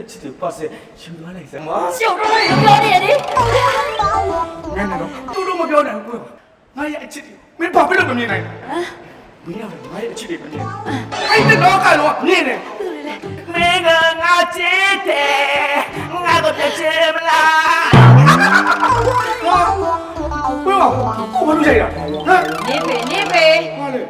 ချစ်တယ်ပါစေယူသွားလိုက်စမ်းမရှုပ်တော့လည်းပြောနေတယ်လေနန်းတော့သူတို့မပြောနိုင်ဘူးငါရဲ့အချစ်တွေမင်းဘာဖြစ်လို့မမြင်နိုင်လဲမင်းကငါရဲ့အချစ်တွေမမြင်အဲ့ဒီတော့ကတော့မြင်တယ်မင်းကငါချစ်တယ်ငါတော့ချစ်မလားဘယ်ကိုဘာလို့ကြိုက်တာဟမ်နေပေဟာလေ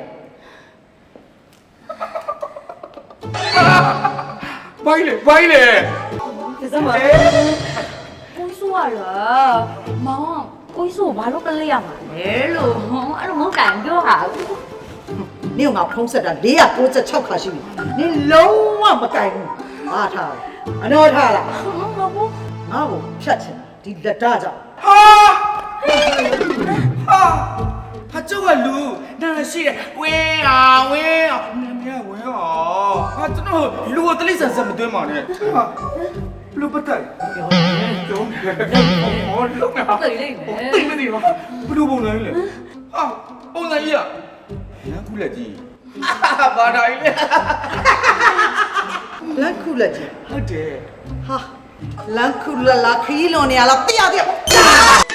ဘိုင်းလေကစမ်းပါကိုဆိုးရလားမောင်ကိုဆိုးဘာလို့ကလေးရမှာလဲလို့အဲ့လိုမကန်ပြောဟာနင့်ငါဖုံးဆက်တာ496ခါရှိပြီနင်လုံးဝမကင်ဘူးအားထားအနော်ထားလားမဟုတ်ငါ့ကိုဖြတ်ချင်ဒီလက်ဓာတ်ကြောင့်ဟာကျုပ်ကလူနာရှိတယ်ဝင်းအောင်နာမည်ကဝင်းအောင်ဟာကျွန်တော်လူကိုတလိဆန်ဆက်မသွင်းပါနဲ့ဟာလူပတ်တယ်ကျုံးဟောလုံငါတယ်လေမယ်တိတ်မသိပါဘလူပုံစံကြီးလေဟာပုံစံကြီးอ่ะနန်းခုလက်ကြီးဘာသာကြီးလေလန်ခုလက်ကြီးဟုတ်တယ်ဟာလန်ခုလလာခီးလွန်နေရလားတရားတရား